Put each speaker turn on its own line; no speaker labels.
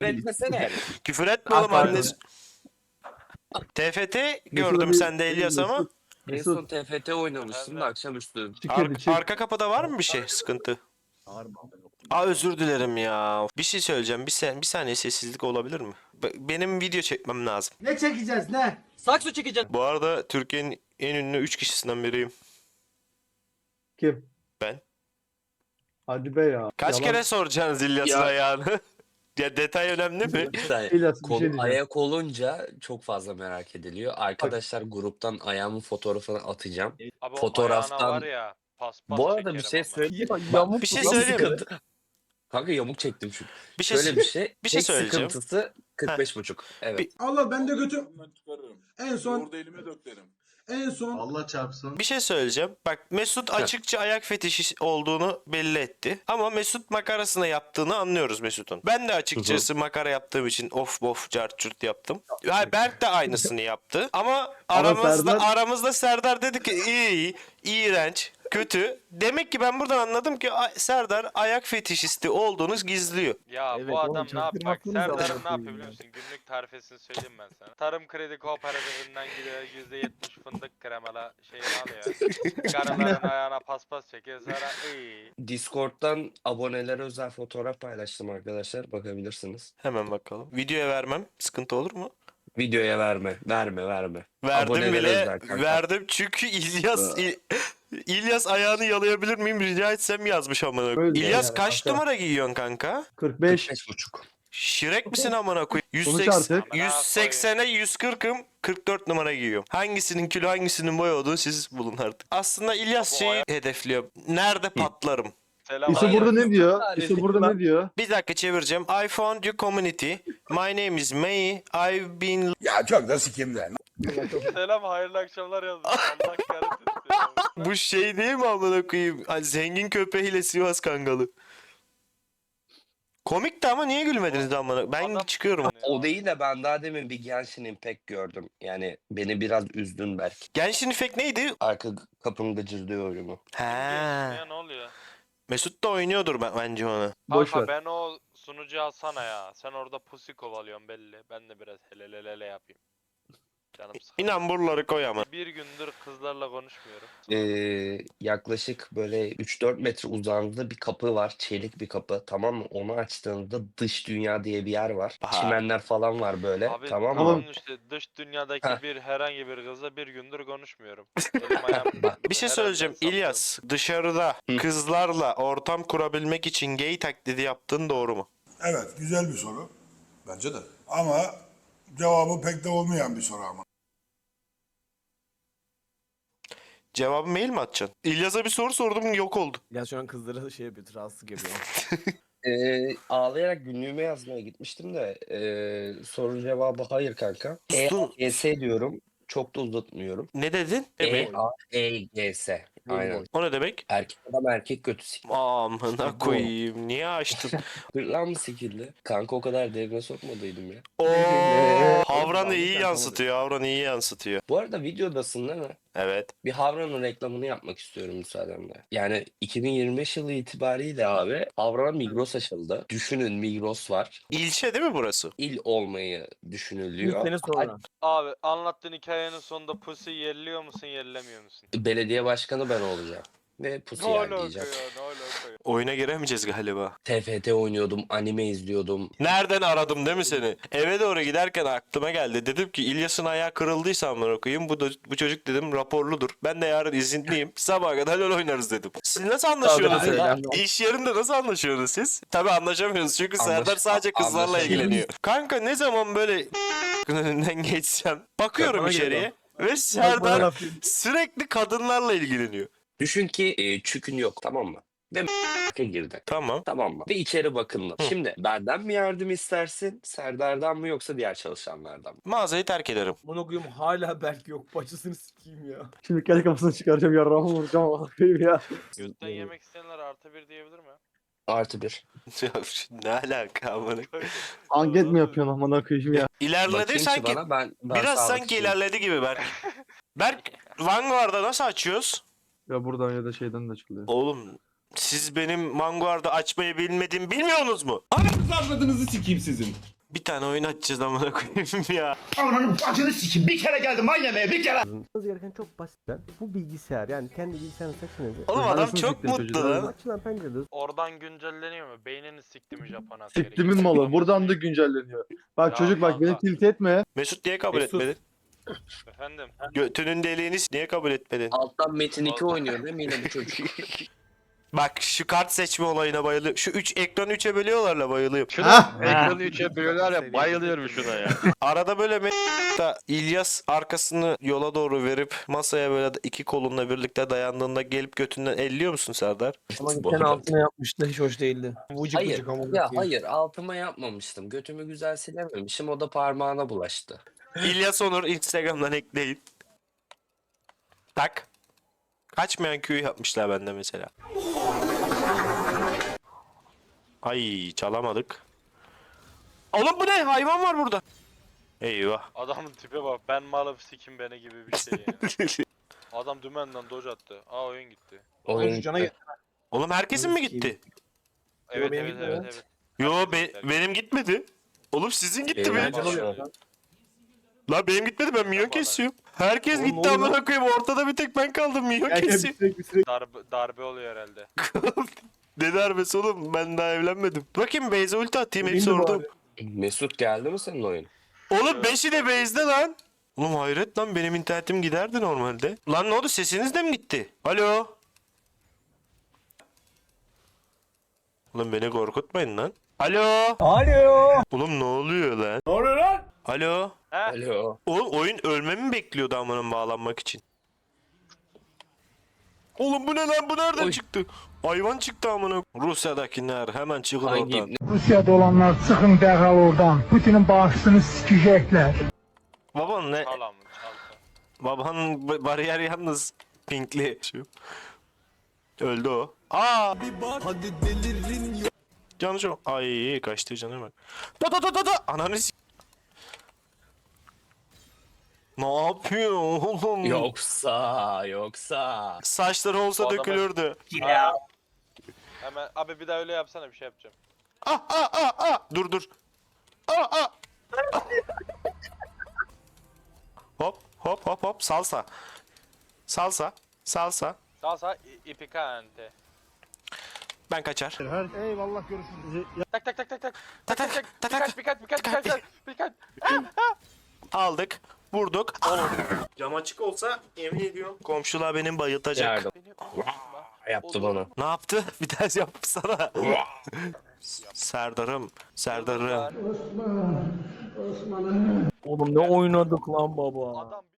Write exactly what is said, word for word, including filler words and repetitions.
Etmesene.
Küfür etme
Ah,
oğlum
pardon.
annesi. T F T
Mesut'a
gördüm
bir-
sende İlyas ama.
Mesut,
En
Mesut,
son T F T oynamıştın da akşamüstü.
çık
Ar-
hadi çık.
arka kapıda var mı bir şey sıkıntı? Aa özür dilerim ya. Bir şey söyleyeceğim. Bir, sen, bir saniye sessizlik olabilir mi? Be- Benim video çekmem lazım.
Ne çekeceğiz ne?
Sakso çekeceğiz.
Bu arada Türkiye'nin en ünlü üç kişisinden biriyim.
Kim?
Ben.
Hadi be ya.
Kaç
Yalan.
kere soracaksınız İlyas'ın
Ya-
ayağını? Ya detay önemli mi?
Bir saniye.
İlyas, bir
Kol,
şey diyeceğim.
ayak olunca çok fazla merak ediliyor. Arkadaşlar gruptan ayağımın fotoğrafını atacağım.
Abi
Fotoğraftan-
o ayağına var ya paspas
Bu arada bir
çekerim
şey
ama.
söyleyeyim.
Ya, yamuk
Bir şey
lan.
söyleyeyim mi?
Kanka yamuk çektim çünkü.
Bir şey,
Şöyle bir şey.
bir şey
tek
söyleyeceğim.
sıkıntısı kırk beş buçuk. Evet.
Bir-
Allah ben de götüm. En son
Orada elime döklerim.
en son
Allah çarpsın.
Bir şey söyleyeceğim. Bak Mesut açıkça ayak fetişi olduğunu belli etti. Ama Mesut makarasını yaptığını anlıyoruz Mesut'un. Ben de açıkçası makara yaptığım için of bof cart curt yaptım. Ha, Berk de aynısını yaptı. Ama aramızda
Serdar-
aramızda Serdar dedi ki iyi, iğrenç, kötü. Demek ki ben buradan anladım ki a- Serdar ayak fetişisti olduğunu gizliyor.
Ya
Evet
bu
oğlum,
adam ne yap bak
çaktırmasınız da
Serdar'ın
amına
ne yapıyor
koyayım
biliyor
ya.
musun? Günlük tarifesini söyleyeyim ben sana. Tarım kredi kooperatifinden gidiyor yüzde yetmiş fındık kremala şeyini alıyor. Karıların ayağına paspas çekiyor sonra iyi.
Discord'dan abonelere özel fotoğraf paylaştım arkadaşlar. Bakabilirsiniz.
Hemen bakalım. Videoya vermem sıkıntı olur mu?
Videoya verme. Verme verme.
Verdim
Abonelere
bile.
özel kanka.
Verdim çünkü İlyas İ- İlyas ayağını yalayabilir miyim rica etsem yazmış amına.
Öyle
İlyas
yani
kaç
kanka.
numara giyiyorsun kanka?
kırk beş.
kırk beş buçuk.
Şirek misin amına koyayım?
Konuş
yüz seksen
artık.
yüz seksene yüz kırkım kırk dört numara giyiyorum. Hangisinin kilo hangisinin boy olduğunu siz bulun artık. Aslında İlyas
Abi o
şeyi
ayak-
hedefliyor. Nerede patlarım?
Selam
İso
abi.
burada ne diyor?
Hayır.
İso burada ne diyor?
Bir dakika çevireceğim. I found your community. My name is May. I've been...
Ya çok da sikimden.
Selam hayırlı akşamlar yazmış. Allah kahretsin. seni.
Bu şey değil mi amına koyayım? Hani zengin köpeğiyle Sivas Kangalı. Komikti ama niye gülmediniz amına? Ben
Adam-
çıkıyorum.
O değil de ben daha demin bir Genshin Impact gördüm. Yani beni biraz üzdün belki.
Genshin Impact neydi?
Arka kapım gıcırdıyor oyunu.
He.
Ya ne oluyor?
Mesut da oynuyordur ben, bence onu.
Boş
Kanka
ver.
ben o sunucu alsana ya. Sen orada pusi kovalıyorsun belli. Ben de biraz helelelele yapayım. Canım sıkıldı.
İnan buraları koy ama.
Bir gündür kızlarla konuşmuyorum.
Ee, yaklaşık böyle üç dört metre uzağında bir kapı var. Çelik bir kapı, tamam mı? Onu açtığında dış dünya diye bir yer var.
Aha.
Çimenler falan var böyle.
Abi
tamam mı?
tamam işte dış dünyadaki
Heh.
bir herhangi bir kızla bir gündür konuşmuyorum. Elim ayağım
Bir şey
her
söyleyeceğim
yerden
İlyas. Dışarıda
Hı.
kızlarla ortam kurabilmek için gay taklidi yaptığın doğru mu?
Evet, güzel bir soru. Bence de. Ama cevabı pek de olmayan bir soru ama.
Cevabı mail mi atacaksın? İlyas'a bir soru sordum yok oldu.
Ya şu an kızlara şey yapıyor, rahatsızlık yapıyor.
Ee, ağlayarak günlüğüme yazmaya gitmiştim de ee, soru cevabı hayır kanka. E
Dur.
A G S diyorum. Çok da uzatmıyorum.
Ne dedin?
E A E G S. Aynen.
O ne demek?
Erkek adam erkek götü sikti.
Amına koyayım. Niye açtın?
Hırlan mı sikildi? Kanka o kadar derine sokmadıydım ya.
Oo, Havran'ı iyi yansıtıyor. Havran'ı iyi yansıtıyor.
Bu arada videodasın değil mi?
Evet.
Bir Havran'ın reklamını yapmak istiyorum müsaadenle. Yani iki bin yirmi beş yılı itibariyle abi Havran'a Migros açıldı. Düşünün Migros var.
İlçe değil mi burası?
İl olmayı
İlk
düşünülüyor.
sene sonra.
Abi anlattığın hikayenin sonunda pusi yerliyor musun yerlemiyor musun?
Belediye başkanı ben olacağım. Ve pusu
Ne alaka ya
yerleyeceğim.
ne alaka ya.
Oyuna giremeyeceğiz galiba.
T F T oynuyordum, anime izliyordum.
Nereden aradım değil mi seni? Eve doğru giderken aklıma geldi. Dedim ki İlyas'ın ayağı kırıldıysa amına koyayım. Bu, da, bu çocuk dedim raporludur. Ben de yarın izinliyim. Sabaha kadar LoL oynarız dedim. Siz nasıl anlaşıyorsunuz?
Tabii,
ya?
tabii.
İş yerinde nasıl anlaşıyorsunuz siz? Tabii anlaşamıyorsunuz çünkü
Anlaş-
Serdar sadece kızlarla
anlaşamıyoruz.
ilgileniyor. Kanka ne zaman böyle önünden geçsem bakıyorum
Bana
içeriye
geliyor.
ve
Bana
Serdar
laf-
sürekli kadınlarla ilgileniyor.
Düşün ki e, çükün yok, tamam mı? Ve girdi.
Tamam.
Tamam mı? Ve içeri bakındı. Şimdi benden mi yardım istersin, Serdar'dan mı yoksa diğer çalışanlardan mı?
Mağazayı terk ederim.
Bunu koyayım hala belki yok. Bacısını sikeyim ya.
Şimdi kendi kafasını çıkaracağım yarrağımı vuracağım ama koyayım ya.
Götten yemek isteyenler artı bir diyebilir mi?
Artı bir.
Ya ne alaka amına.
Anget mi yapıyorsun amına koyayım ya?
İlerledi
Bakayım ki
sanki.
bana, ben, ben
Biraz
sağlık
sanki
için-
ilerledi gibi Berk. Berk Vanguard'a nasıl açıyoruz?
Ya buradan ya da şeyden de açılıyor.
Oğlum Siz benim Vanguard'ı açmayı bilmediğimi bilmiyorsunuz mu?
Ananızı avradınızı sikeyim sizin.
Bir tane oyun açacağız amına koyayım ya.
Ananın bacını sikeyim. Bir kere geldim aynı bir kere.
Yapmanız gereken çok basit. Bu bilgisayar yani kendi bilgisayarını seçmenizi.
Oğlum adam
Anasını
çok
siktim
mutlu
çocuklar.
lan.
Açılan pencerede
Oradan güncelleniyor mu? Beynini sikti mi Japon askeri?
Siktimin malı. Buradan da güncelleniyor. Bak
Ya
çocuk bak beni
kanka.
tilt etme.
Mesut niye kabul
Mesut.
etmedin?
Efendim?
Götünün deliğini s- niye kabul etmedin?
Alttan Metin iki oynuyor değil mi yine bu çocuk?
Bak şu kart seçme olayına bayılıyorum. Şu üç ekranı üçe bölüyorlarla bayılıyorum.
Şuna ekranı üçe bölüyorlar ya bayılıyorum şuna ya.
Arada böyle me- da İlyas arkasını yola doğru verip masaya böyle iki kolunla birlikte dayandığında gelip götünden elliyor musun Serdar?
Ama geçen altına yapmıştı hiç hoş değildi. Vıcık
Hayır.
vıcık ama.
Ya hayır altıma yapmamıştım. Götümü güzel silememişim. O da parmağına bulaştı.
İlyas Onur Instagram'dan ekleyin. Tak. Kaçmayan Q'yu yapmışlar bende mesela. Ay çalamadık. Oğlum bu ne? Hayvan var burada. Eyvah.
Adamın tipe bak. Ben malım sikim beni gibi bir şey yani. Adam dümenden doj attı. Aa oyun gitti.
Oyun
Cana
gitti.
Oğlum herkesin mi gitti?
Evet
benim
evet
gitmedi.
evet evet.
Yo be- benim gitmedi. Oğlum sizin gitti
Benim
mi?
de şu an.
La benim gitmedi ben minyon
Bana.
kesiyorum. Herkes
Oğlum,
gitti
ne oluyor
amına koyayım ortada bir tek ben kaldım minyon
Gel gel
kesiyorum.
bitirek bitirek.
Darbe, darbe oluyor herhalde.
Ne darbesi oğlum ben daha evlenmedim. Bakayım Beyza ulti atayım hepsi
İndi
orada.
bari.
Mesut geldi mi senin oyun?
Oğlum beşi de Beyz'de lan. Oğlum hayret lan benim internetim giderdi normalde. Lan ne oldu sesiniz de mi gitti? Alo. Oğlum beni korkutmayın lan. Alo. Alo. Oğlum ne oluyor lan?
Ne oluyor lan?
Alo.
Alo.
Oğlum oyun ölmemi mi bekliyordu amanın bağlanmak için? Oğlum bu ne lan bu nereden
Oy.
çıktı? Hayvan çıktı amına. Rusya'dakiler hemen çıkın
Hangi
oradan.
ibne?
Rusya'da olanlar çıkın derhal oradan. Putin'in bağışını sikecekler.
Baban ne?
Çal amın çalsa.
Babanın ba- bariyer yalnız pinkli. Şu. Öldü o. Aa! Canı çok. Ay kaçtı canı bak. Da da da da da. Ananı s- Ne yapıyor oğlum?
Yoksa yoksa.
Saçları olsa
Bu adamı-
dökülürdü.
Ya. Hemen abi bir daha öyle yapsana bir şey yapacağım.
Ah ah ah ah. Dur dur. Ah ah. Hop hop hop hop salsa. Salsa. Salsa.
Sağ sağ i- ipikante.
Ben kaçar.
Eyvallah görüşürüz.
Tak tak tak tak tak.
Tak tak tak tak.
Birkaç birkaç birkaç birkaç birkaç. birkaç.
Aldık. Vurduk. Cam açık olsa yemin ediyorum komşular benim bayıltacak.
Yardım. Yaptı bana.
Ne yaptı? Bir daha yapsana. Serdar'ım. Serdar'ım.
Oğlum ne oynadık lan baba.
Adam